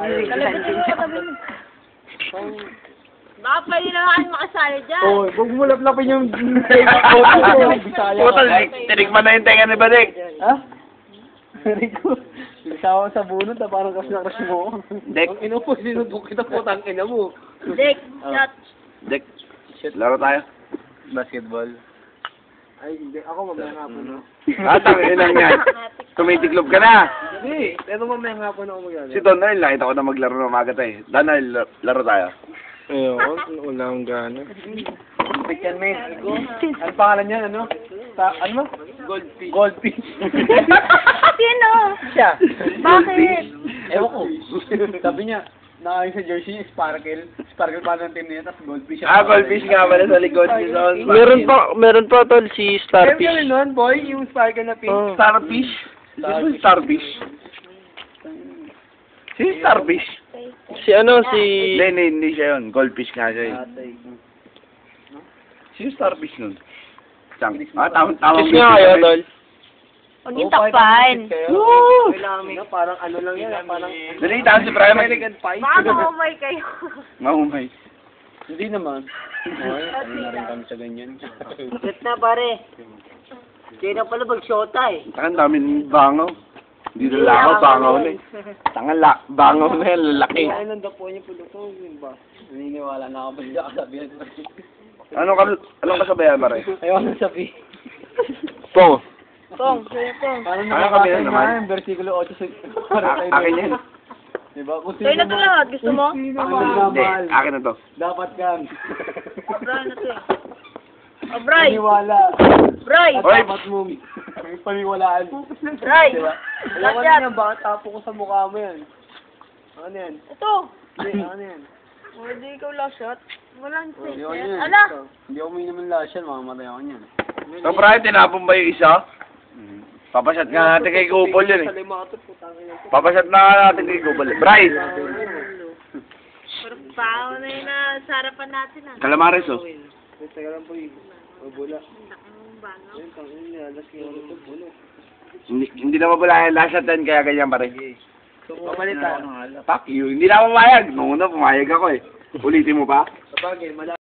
Baka pwede na kayo makasali dyan. Oo, huwag mo laplapin yung Bisaya. Putal, tinigman na yung tenga ni Badek. Ha? Rico, isawa sa bunot na parang crush na crush mo. Dek. Ang inupo, sinubok kita po, tangin na mo. Dick, shot. Dek, laro tayo. Basketball. Ay, hindi. Ako mamaya nga po, no? Tangin lang yan. Tumitiklop ka na. Hindi, pero mamaya nga po na ako mag-ano. Si Don na rin, nakita ko na maglaro ng umaga tayo. Dana, laro tayo. Ayun, wala akong gana. Picture me. Ano pangalan niya, ano? Ano? Goldfish. Goldfish. Sino? Siya. Bakit? Ewan ko. Sabi niya, nakain sa jersey, sparkle. Sparkle pa ng team niya, tapos goldfish. Goldfish nga pala sa likod ni Don. Meron pa tol si Starfish. Starfish. Meron nun, boy, yung sparkle na pink. Oh. Starfish? Starfish. Si Starfish? Si Hindi siya yun. Goldfish nga siya yun. Si Starfish nun. Tama. Kiss nga kayo tol. Huwag yung takpan. Woo! Parang ano lang yan, parang... Nalita si Brian. American Pie. Baka maumay kayo. Maumay. Hindi naman. Ay, ano na rin kami sa ganyan. Set na pare. Kaya na pala mag-shota eh. Tangan dami ng bangaw. Hindi na lang ako bangaw na eh. Tangan bangaw na yan, lalaki. Ay, nandapo niya po ito. Ba? Naniniwala na ako ba siya kasabihan? Anong kasabayan ba rin? Ayaw na sabi. Po. Tong, sino tong? Parang Ano kami nakabasa yan naman? na yung versikulo 8 Akin yan. Diba? Kung Sa'yo na to lahat. Gusto mo? Sino Hindi, magmamahal, akin na to. dapat kang Bray na to eh. Oh, Bray! paniwala. Bray! At dapat mong may paniwalaan. Bray! Diba? Alam ko Lahat na yan, baka tapo ko sa mukha mo yan. Ano yan? Ito! Hindi, ano yan? Hindi ikaw last shot. Walang Hindi safe ako yan. yan. Ala! Hindi ako may naman lahat yan, mamamatay ako niyan. So, Brian, tinapon ba yung isa? Papasyat nga natin kay Kupol yun eh. Sa limatot, putang ina. Papasyat na natin kay Kupol. Brian! Pero pao na yun na sa harapan natin ah. Calamares oh. Teka lang po yun. Bula. Ang bangaw. Ayun, tangin niya. Alas kayo ito, bulo. Hindi na mabula yung last shot yan, kaya ganyan pa rin. Pamalitan. Fuck you, hindi na ako pumayag. Nung una pumayag ako eh. Ulitin mo pa? Sabagay,